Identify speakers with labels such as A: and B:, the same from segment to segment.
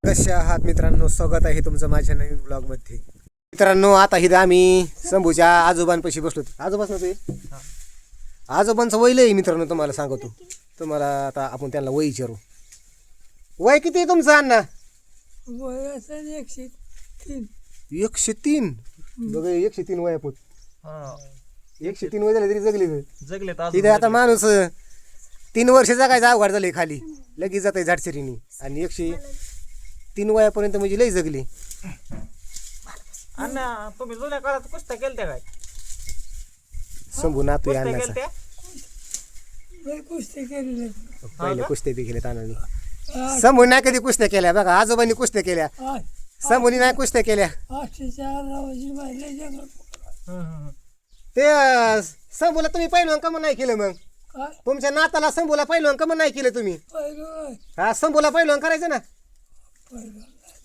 A: कशा आहात मित्रांनो, स्वागत आहे तुमचं माझ्या नवीन ब्लॉगमध्ये. मित्रांनो, आता इथं आम्ही शंभूच्या आजोबांपाशी बसलो. आजोबाच नव्हते, आजोबांचं वय लय मित्रांनो. तुम्हाला सांगतो, तुम्हाला आता आपण त्यांना वय विचारू. वय किती आहे तुमचं अण्णा?
B: वय असेल 103.
A: 103. बघ 103 वय आपण. 103 वय झाले तरी जगले. तिथे आता माणूस 3 वर्ष जगायचं अवघड झाले, खाली लगेच जात आहे झाडसरीनी. आणि 103 वयापर्यंत म्हणजे लय जगली.
C: अण्णा तुम्ही जुन्या काळात कुस्त्या केलत्या काय?
A: शंभू नातू आहे
C: कुस्त्या
A: अण्णाचा.
C: केलत्या?
B: लय कुस्ती केलेले.
A: पहिले कुस्त्या बी केल्या तानाने. शंभू नाही कधी कुस्त्या केल्या बघा, आजोबांनी कुस्त्या केल्या, शंभूनी नाही कुस्त्या केल्या.
B: 804 माहिती जंगल.
A: ते शंभूला तुम्ही पहिलवान का नाही केलं? मग
B: काय
A: तुमच्या नाताला शंभूला पहिलवान का नाही केलं तुम्ही?
B: पहिलं
A: हा, शंभूला पहिलवान करायचं ना.
B: पहिलं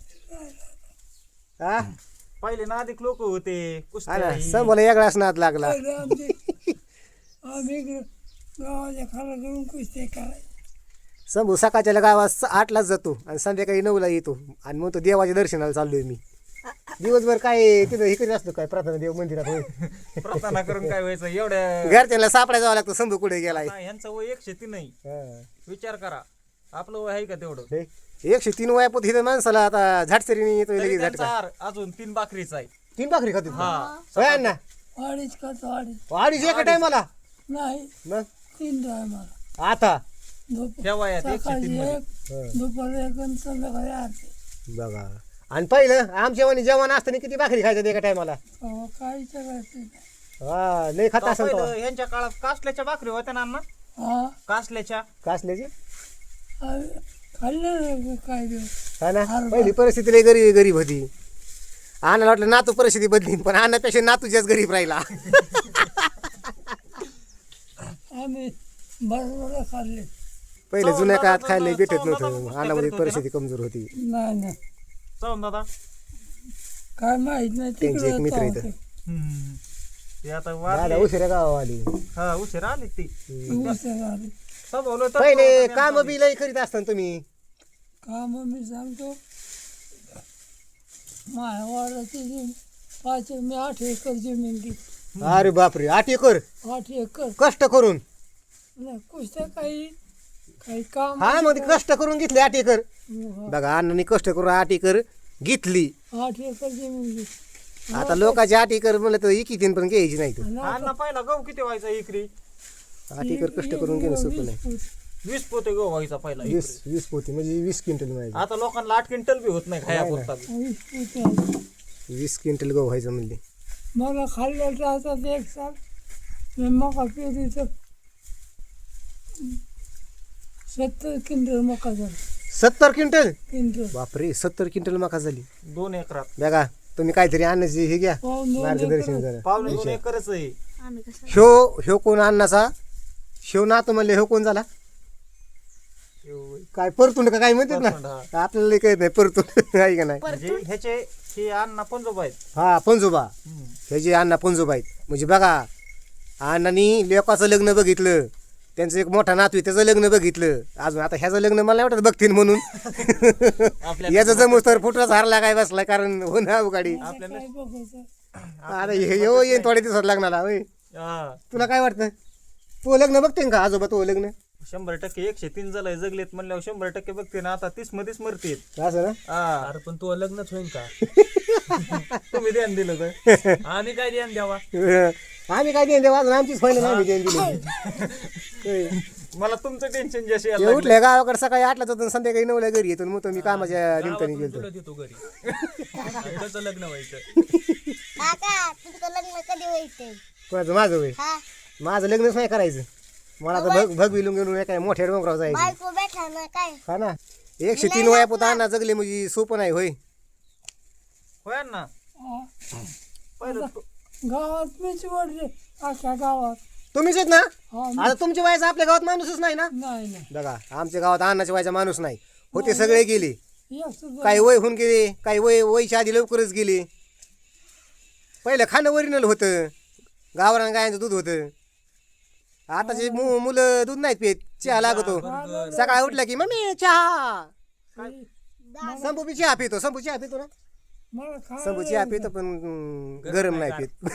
A: हा
C: पहिले ना अधिक लोक होते
A: हा
C: कुस्त्या
A: ना,
C: ही.
A: शंभूला वेगळाच नाद लागला.
B: पहिलं आम्ही गावाच्या खाला करून कुस्ती करायची.
A: शंभू सकाळच्या गावात 8लाच जातो आणि संध्याकाळी 9ला येतो. आणि मग तो देवाच्या दर्शनाला चाललोय मी. दिवसभर काय तिथं हे करीत असतो काय, प्रार्थना देव मंदिरात होय.
C: प्रार्थना करून काय व्हायचं एवढ्या?
A: घरच्यांना सापडा जावं लागतं शंभू कुठे गेलाय.
C: ह्यांचं वय 103 नाही.
A: हा.
C: विचार करा, आपलं वय आहे का तेवढं?
A: हे 103 वयापोत हिथं माणसाला आता झाडसरीने येतो
C: तरी
A: लगेच
C: त्यांचा
A: झटका.
C: हार अजून 3 भाकरीचा आहे.
A: 3 भाकरी खातो
C: हा.
A: होय अण्णा?
B: अडीच खातो अडीच.
A: अडीच एका टायमाला.
B: नाही
A: मग
B: 3 टायमाला.
A: आता
C: त्या वयात
B: सकाळी
C: 103 मध्ये.
B: 1, दुपारी 1 आणि संध्याकाळी 8.
A: बघा, आणि पहिलं आमच्या वाणी जेवण असताना किती भाकरी खायचं एका टायमाला?
B: काही करायचं नाही.
A: हा, लय खात असेल तो.
C: पहिलं यांच्या काळात कासल्याच्या भाकरी होत्या ना अण्णा?
B: हा
C: कासल्याच्या.
A: कासल्याची.
B: खाल्लं नाही काय दिवस.
A: हा ना, पहिली परिस्थिती लय गरीब होती. आणायला वाटलं नातू परिस्थिती बदली, पण आणण्यापेक्षा नातूच्याच गरीब राहिला.
B: आम्ही बरोबर खाल्ले.
A: पहिले जुन्या काळात खायला भेटत नव्हतं, अन्नामध्ये परिस्थिती कमजोर होती.
B: नाही नाही
C: चौन दादा
B: काय माहित नाही.
A: त्यांचे एक मित्र
B: तिकडे
A: इथं.
C: ते आता
A: दादा
C: वारले.
A: उशिरा गावा आली.
C: हा, उशीर आली ती. स्वभावलं तर
A: पहिले काम बी लय करीत असताना तुम्ही.
B: काम मी सांगतो माझ्या वाड्याची 5 मी 8 एकर जमीन घेतली.
A: अरे बापरे, 8 एकर
B: 8 एकर
A: कष्ट करून.
B: नाही कुस्त्या काही काम.
A: हा, मग ते कष्ट करून घेतले 8 एकर.
B: हा,
A: बघा, अण्णांनी कष्ट करून 8 एकर घेतली.
B: 8 एकर जमीन घेतली.
A: आता लोकांची 8 एकर म्हणलं तर 1 पण घ्यायची नाही.
C: अण्णा पहिला गहू किती व्हायचा एकरी?
A: 8 एकर कष्ट करून घेणं सोपं नाही.
C: 20 पोते गहू व्हायचा पहिला एकरी.
A: 20 पोती म्हणजे 20 क्विंटल व्हायचं.
C: आता लोकांना 8 क्विंटल बी होत नाही खाया पुरता बी.
A: 20 क्विंटल गहू व्हायचं म्हणले.
B: मला खाल्लं जातात 1 साल मी मका पेरी तर 70 क्विंटल मका झाली.
A: 70 क्विंटल.
B: क्विंटल
A: 70 क्विंटल मका झाली.
C: 2 एकरात.
A: बघा, तुम्ही काहीतरी आणण्याची हे घ्या मार्गदर्शन जरा.
C: पावणे 2 एकरच आहे.
A: ह्यो कोण अन्नाचा? ह्यो नातू म्हणले ह्यो कोण झाला? काय परतून का काय म्हणतात
C: परतूंड,
A: ना, आपल्याला कळत नाही परतून आहे का नाही.
C: म्हणजे ह्याचे हे अण्णा पंजोबा आहेत.
A: हा, पंजोबा. ह्याचे अण्णा पंजोबा आहेत. म्हणजे बघा, अण्णांनी लेकाचं लग्न बघितलं, त्यांचं एक मोठा नातू आहे त्याचं लग्न बघितलं. अजून आता ह्याचं लग्न मला नाही वाटत बघतील म्हणून. याचं जमूस तर फुटराच हारला काय बसला, कारण हो ना गाडी.
C: आपल्याला
B: काय बघायचं.
A: आता येईन थोड्या दिवसात लग्नाला. होय,
C: हा,
A: तुला काय वाटतं? तू लग्न बघते का आजोबा? तो लग्न
C: 100% 103 झालंय जगलेत म्हणल्यावर 100% बघते ना. आता 30 मध्येच मरतेत.
A: असं ना.
C: हा,
D: अरे पण तू लग्नच होईन का?
C: तुम्ही ध्यान दिलं तर.
D: आम्ही काय द्यान द्यावा?
A: आम्ही काय देईन देवा, अजून आमचीच फायनल आम्ही देईन दिली.
C: मला तुमचं टेन्शन जशी
A: ते उठले गावाकडे सकाळी 8ला जातो, संध्याकाळी 9ला घरी येतो. मग तो मी कामाच्या निमित्ताने
D: गावातून
A: गेलो.
D: तुला देतो घरी. आणि त्याचं लग्न व्हायचं.
E: काका तुमचं लग्न कधी व्हायचंय?
A: कोणाचं? माझं वय.
E: हा
A: माझं लग्नच नाही करायचं. मला तर भगविलून घेऊन काय मोठ्या डोंगरावर जायचं.
E: बायको बैठा ना काय?
A: हा ना, 103 वयापोत अण्णा जगले म्हणजे सोपं नाही. होय,
C: होय ना.
B: हा.
C: पहिलं
B: गावात मीच वाढले अख्ख्या गावात.
A: तुम्हीच आहेत ना?
B: हा
A: आता तुमच्या वयाचा आपल्या गावात माणूसच नाही ना.
B: नाही नाही
A: बघा, आमच्या गावात अण्णाच्या वयाचा माणूस नाही. होते सगळे गेले.
B: एक सुद्धा
A: काही वय होऊन गेले, काही वयच्या आधी लवकरच गेले. पहिलं खाणं ओरिजिनल होतं, गावरान गायांचं दूध होतं. आताचे मुलं दूध नाहीत पित, चहा लागतो. सकाळी उठला की मम्मी चहा. संभू बी चहा पितो संभू चहा पितो ना
B: मला
A: संभू
B: खायला
A: चहा पितो पण गरम नाही पित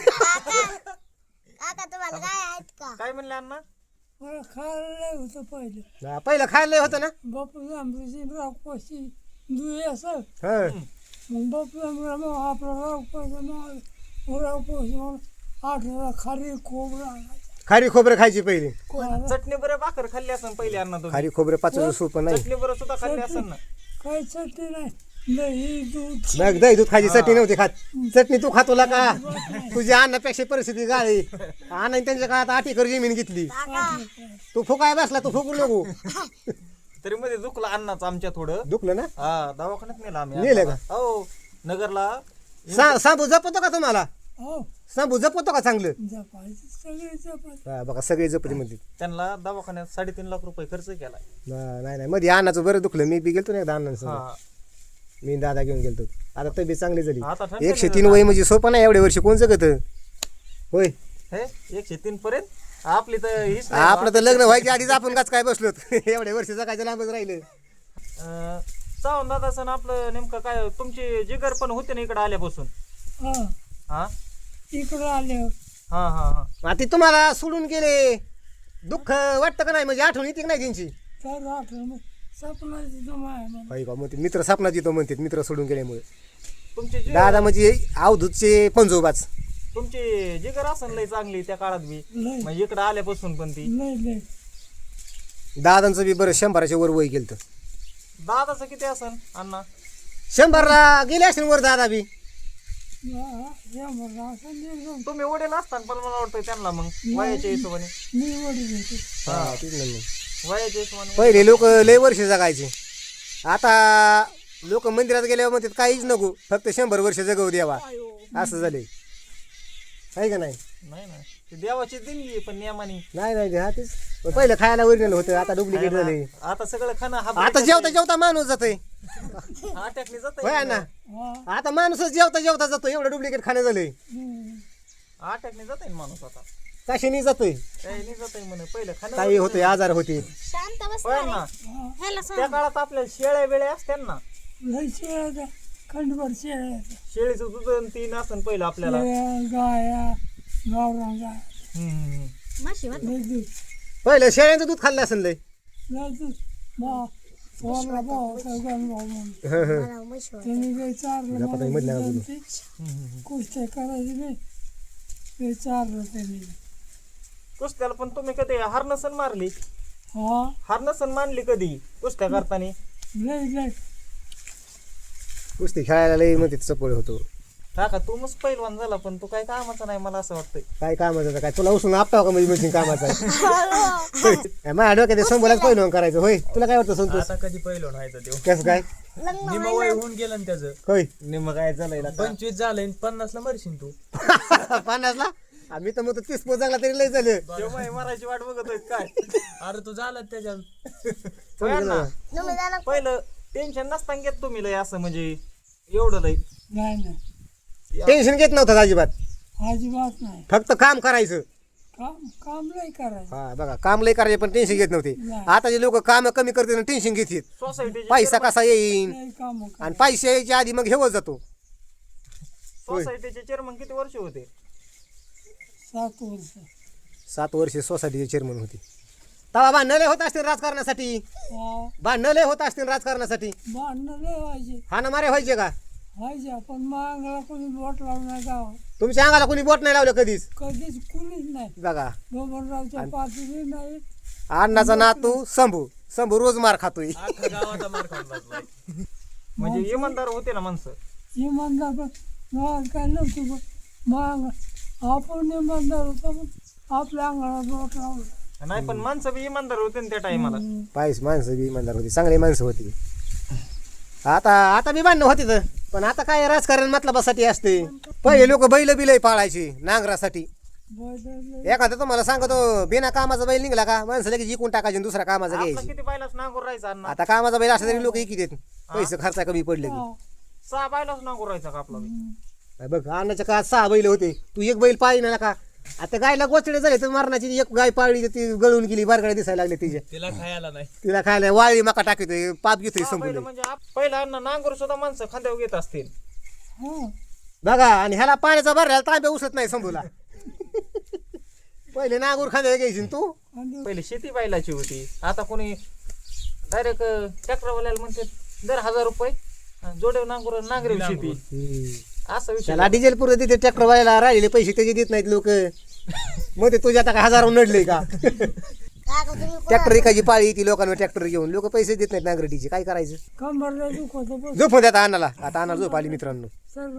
E: काका तुम्हाला काय आहेत का
C: काय म्हणले अण्णा
B: मला खायला लय होतं पहिलं
A: हा, पहिलं खायला लय होतं ना
B: बापू आमची रागपाशी दुई असं
A: हं.
B: मग बापू मग आपला रागपाशी रागपाशी मग 8 खारी खोबरं आणायचं.
A: खारी खोबरं खायची पहिली
C: चटणी बरं भाकर खाल्ली असेल पहिले अण्णा तुम्ही
A: खारी खोबरं पाचचं सूप नाही
C: चटणी बरं सुद्धा खाल्ली असेल ना
B: काही चटणी नाही दही दूध
A: मग दही दूध खायची चटणी नव्हती खात चटणी तू खातोला का तुझ्या अन्नापेक्षा परिस्थिती गाळी अण्णाने त्यांच्या काळात 8 एकर जमीन घेतली तू फुकाय बसला तू फुकू नको
C: तरी मध्ये दुखलं अण्णाचं आमच्या थोडं
A: दुखलं ना
C: हा दवाखान्यात नेलं आम्ही
A: नेलं का?
C: अण्णाला. हो नगरला
A: सांबू जपतो का तुम्हाला
B: हो
A: सांबू जपतो का चांगलं
B: जपायचं सगळे जपायचं
A: हा, बघा सगळे जपते म्हणते
C: त्यांना दवाखान्यात 3.5 लाख रुपये खर्च केलाय
A: नाही नाही मध्ये अन्नाचं बरं दुखलं मी बी गेलतो ना एकदा अण्णांसोबत
C: हा
A: मी दादा घेऊन गेलतो आता तब्येत चांगली झाली
C: आता ठणठणीत
A: 103 वय म्हणजे सोपं नाही एवढे वर्ष कोण जगत होय
C: हे 103 पर्यंत आपली तर हीच नाही.
A: आपलं तर लग्न व्हायच्या आधीच आपण काच काय बसलो एवढे वर्ष जगायचं लांबच राहिलं
C: चावून दादा सण आपलं नेमकं काय तुमची जिगर पण होते ना इकडे आल्यापासून
B: हा
C: हा
B: इकडं आल्यावर
C: हा हा हा
A: आता तुम्हाला सोडून गेले दुःख वाटतं का नाही म्हणजे आठवण येते का नाही त्यांची
B: तर आठवण सपनाची जमा आहे मला
A: होय का म्हणते मित्र सापनात येतो म्हणते मित्र सोडून गेल्यामुळे
C: तुमची
A: दादा म्हणजे अवधूतचे पंजोबाच
C: तुमची जिगर असन लय चांगली त्या काळात बी
B: लय
C: म्हणजे इकडे आल्यापासून पण ती
B: लय लय
A: दादांचं बी बरं 100च्या वर वय गेलं
C: दादाचं किती असन अण्णा
A: 100ला गेले असेल वर दादा बी
B: हे मला असं निर्गम
C: तुम्ही वडील असताना पण मला वाटतं त्यांना मग वयाच्या हिशोबाने
B: मी वडील होते
A: हा, तेच ना मग.
C: वयाच्या हिशोबाने
A: पहिले लोक लय वर्ष जगायचे आता लोक मंदिरात गेल्यावर म्हणतात काहीच नको फक्त 100 वर्ष जगवू द्यावा असं झाले आहे का नाही
C: नाही ना ती देवाची देणगी आहे, पण नियमाने
A: नाही नाही हा तेच पण पहिलं खायला ओरिजिनल होतं आता डुप्लिकेट झाले
C: आता सगळं खाणं
A: आता जेवता जेवता माणूस जातोय
C: अटॅकने जात
A: होय ना
B: हा
A: आता माणूसच जेवता जेवता जातो एवढं डुप्लिकेट खाणं झालंय
C: अटॅकने जात माणूस आता
A: कशाने जातोय
C: काही नाही जात म्हणे पहिलं खाणं
A: काही होते आजार होते
E: शांत बस
C: होय ना
E: ह्याला
C: त्या काळात आपल्या शेळ्या वेळ्या असत्या ना
B: लय शेळ्या खंडभर शेळ्या
C: शेळीचं दूध आणि तीन असन पहिलं आपल्याला
B: गाया गावरान गाय
E: माशी
B: लय दूध
A: पहिलं शेळ्यांचं दूध खाल्लं असेल लय
B: लय दूध मा थोरला भाऊ सगळ्यां भाऊ म्हणून
E: मला म्हशी
B: त्यांनी काही चारलं
A: आता काही मधल्या
B: मला
A: बाजूला.
B: कुस्त्या करायची नाही ते चारलं त्यांनी
C: कुस्त्याला पण तुम्ही कधी हारनसन मारली
B: हा
C: हारनसन मानली कधी कुस्त्या करताना
B: लय लय
A: कुस्ती खेळायला लय म्हणते चपळ होतो
C: काका तू मस्त पहिलवान झाला पण तू काय कामाचा नाही मला असं वाटतंय
A: काय कामाचं आता काय तुला उसून आपटाव का म्हणजे मशीन कामाचं आहे माझ्या डोक्यात संभोलाच पहिलं करायचं होय तुला काय वाटतं संतोष
D: आता कधी पहिलं व्हायचं देव
A: कसं काय
D: निम वय होऊन गेलं ना त्याचं
A: होय
C: निम काय झालंय ना
D: 25 झालंय 50 ला मरशील तू
A: 50ला आम्ही तर मग 30 पोच जगला तरी लय झालं
C: तेव्हा मरायची वाट बघत काय
D: अरे तू झाला त्याच्यात
C: होय ना
E: तुम्ही जाणार
C: पहिलं टेन्शन नसताना घेत तुम्ही लय असं म्हणजे एवढं लय
B: नाही नाही
A: टेन्शन घेत नव्हतं अजिबात
B: अजिबात नाही
A: फक्त काम करायचं
B: काम काम लय करायचं
A: हा बघा काम लय करायचे पण टेन्शन घेत नव्हते आताचे लोक काम कमी करते टेन्शन घेतात
C: सोसायटीचे
A: पैसा कसा येईन
B: लय काम
A: आणि पैसे यायच्या आधी मग हेवत जातो
C: सोसायटीचे चेअरमन किती वर्ष होते
B: 7 वर्ष
A: 7 वर्ष सोसायटीचे चेअरमन होते तवा भांडणं लय होत असतील राजकारणासाठी
B: हा
A: भांडणं लय होत असतील राजकारणासाठी
B: भांडणं लय व्हायचे
A: हाना मारे व्हायचे का
B: व्हायचे पण मागला कोणी बोट लावून नाही गाव
A: तुमच्या अंगाला कोणी बोट नाही लावलं कधीच
B: कधीच कुणीच नाही
A: बघा
B: बबनरावच्या पाठीने नाही
A: अण्णाचा नातू शंभू रोज मार खातोय
D: अख्खा गावाचा मार खाऊन बसलाय
C: म्हणजे इमानदार होते ना माणसं
B: इमानदार पण गावात काय नव्हतं पण मग आपण इमानदार होतो पण आपल्या अंगाला बोट लावलं
C: नाही पण माणसं बी इमानदार होते ना त्या टायमाला
A: पायस माणसं बी इमानदार होती चांगली माणसं होती आता बी भांडणं होती तर पण आता काय राजकारण मतलबासाठी असते पहिले लोक बैल बिलय पाळायचे नांगरासाठी
B: बैल
A: एखादं तुम्हाला सांगतो बिना कामाचा बैल निघला का माणसं लगेच जिंकून टाकायचे आणि दुसरा कामाचा
C: आपलं
A: घ्यायची
C: किती बायलाच नांगूर राहायचा अण्णा
A: आता कामाचा बैल असला तरी लोक इकी देत पैसे खर्चा कमी पडले की
C: 6 बायलाच नांगूर राहायचा का आपला बी?
A: बघ अन्नाच्या काळात 6 बैल होते तू एक बैल पाहिजे ना का आता गायला गोचडे झाले तर मरणाची एक गाय पाळली तर ती गळून गेली बारगाड्या दिसायला लागले तिच्या
D: तिला खायला नाही.
A: तिला खायला वाळी मका टाकतोय पाप घेतोय
C: पहिलं
A: संपून
C: म्हणजे पहिला अन्न नांगर सुद्धा माणसं खांद्यावर घेत असतील.
B: हा
A: बघा आणि ह्याला पाण्याचा भरला तांब्या उसत नाही संभूला पहिले नांगूर खांद्या घ्यायची ना तू
B: आणि
C: पहिले शेती बैलाची होती. आता कोणी डायरेक्ट ट्रॅक्टरवाल्याला म्हणते दर 1000 रुपये जोडे नांगूर नांगरे शेती असं विषय.
A: त्याला डिझेल पुरत देते ट्रॅक्टर व्हायला राहिलेले पैसे त्याचे देत नाहीत लोक मग ते तुझ्या आता काय हजारावर नडले का
E: काका तुम्ही
A: ट्रॅक्टर एकाची पाळी ती लोकांवर ट्रॅक्टर घेऊन लोक पैसे देत नाहीत नांगरटीचे काय करायचं
B: कंबरला दुखत बस
A: झोपून द्या आता अन्नाला आता अन्नाला झोप आली मित्रांनो
B: सर